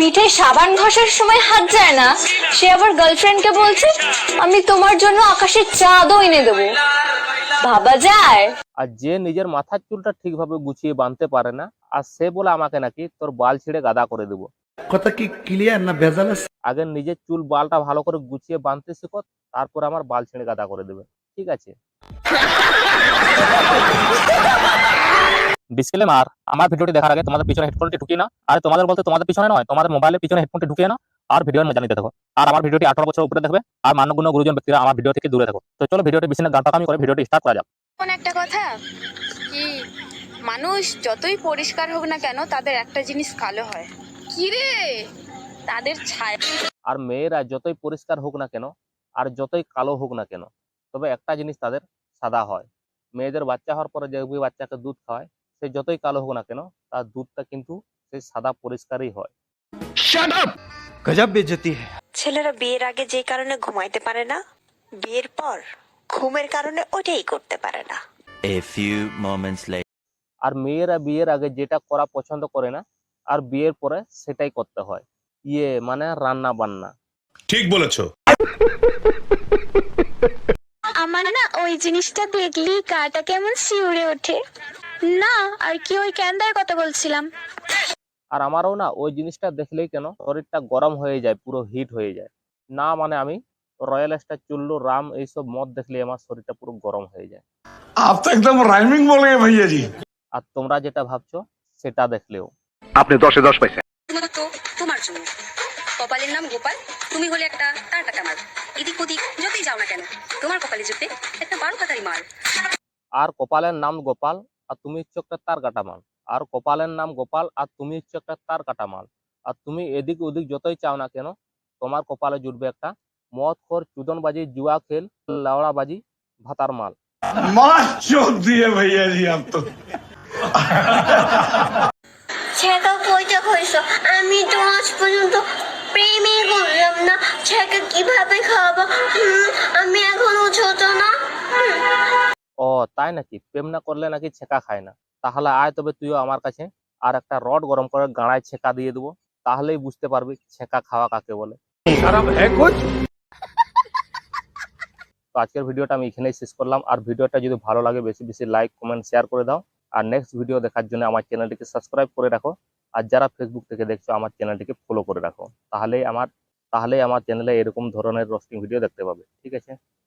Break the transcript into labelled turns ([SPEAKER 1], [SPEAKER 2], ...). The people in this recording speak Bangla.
[SPEAKER 1] পিঠে সাবান ঘষার সময় হাত যায় না, সে আবার গার্লফ্রেন্ডকে বলছে আমি তোমার জন্য আকাশের চাঁদও এনে দেবো। ভাবা যায়?
[SPEAKER 2] আর যে নিজের মাথার চুলটা ঠিকভাবে গুছিয়ে বাঁধতে পারে না, আর সে বলে আমাকে নাকি তোর বাল ছিঁড়ে গাদা করে দেবো।
[SPEAKER 3] কথা কি ক্লিয়ার না ভেজাল আছে?
[SPEAKER 2] আগে নিজের চুল বালটা ভালো করে গুছিয়ে বাঁধতে শিখো, তারপর আমার বাল ছিঁড়ে গাদা করে দেবে, ঠিক আছে? ডিসক্লেমার, আমার ভিডিওটি দেখার আগে তোমাদের পিছনে হেডফোনটি ঢুকিয়ে নাও। আর তোমাদের বলতে তোমাদের পিছনে নয়, তোমাদের মোবাইলের পিছনে হেডফোনটি ঢুকিয়ে নাও আর ভিডিওর মজা নিতে থাকো। আর আমার ভিডিওটি 18 বছর উপরে দেখবে আর মান্যগণ্য গুরুজন ব্যক্তিরা আমার ভিডিও থেকে দূরে থাকো। তো চলো ভিডিওটি বেশি না গান পাকামি করে ভিডিওটি স্টার্ট করা যাক।
[SPEAKER 4] কোন একটা কথা কি, মানুষ যতই পরিষ্কার হোক না কেন তাদের একটা জিনিস কালো হয়। কি রে? তাদের ছায়া।
[SPEAKER 2] আর মেয়েরা যতই পরিষ্কার হোক না কেন আর যতই কালো হোক না কেন, তবে একটা জিনিস তাদের সাদা হয়। মেয়েদের বাচ্চা হওয়ার পরে যে বাচ্চাকে দুধ খাওয়ায়, সে যতই কালো হোক না কেন তার দুধটা কিন্তু সেই সাদা পরিষ্কারই হয়।
[SPEAKER 3] গজব বেইজ্জতি है।
[SPEAKER 5] ছেলেরা বিয়ের আগে যে কারণে ঘুমাইতে পারে না, বিয়ের পর ঘুমের কারণে ওটাই করতে পারে না।
[SPEAKER 6] A few moments later.
[SPEAKER 2] আর মেয়েরা বিয়ের আগে যেটা করা পছন্দ করে না, আর বিয়ের পরে সেটাই করতে হয়, মানে রান্না বান্না।
[SPEAKER 7] ঠিক বলেছো।
[SPEAKER 4] আমার না ওই জিনিসটা দেখলি গাটা কেমন শিউরে ওঠে। না আর কি, ওই ক্যান্দার কথা বলছিলাম।
[SPEAKER 2] আর আমারও না ওই জিনিসটা দেখলেই কেন শরীরটা গরম হয়ে যায়, পুরো হিট হয়ে যায়। না মানে আমি রয়্যাল স্টার, চুল্লু, রাম এইসব মদ দেখলে আমার শরীরটা পুরো গরম হয়ে যায়।
[SPEAKER 7] आप तो एकदम राइमिंग बोल गए भैया जी।
[SPEAKER 2] আর তোমরা যেটা ভাবছো সেটা দেখলেও।
[SPEAKER 8] আপনি 10-এ 10 পাইছেন।
[SPEAKER 4] শুধুমাত্র তোমার জন্য। কপালের নাম গোপাল, তুমি হলে একটা তার কাটা মাল। এদিক ওদিক যতই যাও না কেন, তোমার কপালে জুটবে একটা 12 কাটারি মাল।
[SPEAKER 2] আর কপালের নাম গোপাল আর তুমি হচ্ছে একটা তার কাটা মাল। আর কপালের নাম গোপাল আর তুমি হচ্ছে একটা তার কাটা মাল। আর তুমি এদিক ওদিক যতই চাও না কেন, তোমার কপালে জুটবে একটা মদ খোর, চুদনবাজি, জুয়া খেল, লাউড়াবাজি, ভাতার মাল।
[SPEAKER 7] मार चोद दिए भैया जी आप तो।
[SPEAKER 9] ছেকা কইটা কইছো, আমি তো আজ পর্যন্ত প্রেমই করলাম না। ছেকা কিভাবে খাবো? আমি এখনো ছোট না।
[SPEAKER 2] ও তাই নাকি? প্রেম না করলে নাকি ছেকা খায় না? তাহলে আয় তবে তুইও আমার কাছে, আর একটা রড গরম করে গাঁড়ায় ছেকা দিয়ে দেবো, তাহলেই বুঝতে পারবি ছেকা খাওয়া কাকে বলে। তো আজকের ভিডিওটা আমি এখানেই শেষ করলাম। আর ভিডিওটা যদি ভালো লাগে বেশি বেশি লাইক, কমেন্ট, শেয়ার করে দাও। আর নেক্সট ভিডিও দেখার জন্য আমার চ্যানেলটিকে সাবস্ক্রাইব করে রাখো। আর যারা ফেসবুক থেকে দেখছো আমার চ্যানেলটিকে ফলো করে রাখো, তাহলেই আমার চ্যানেলে এরকম ধরনের রোস্টিং ভিডিও দেখতে পাবে, ঠিক আছে?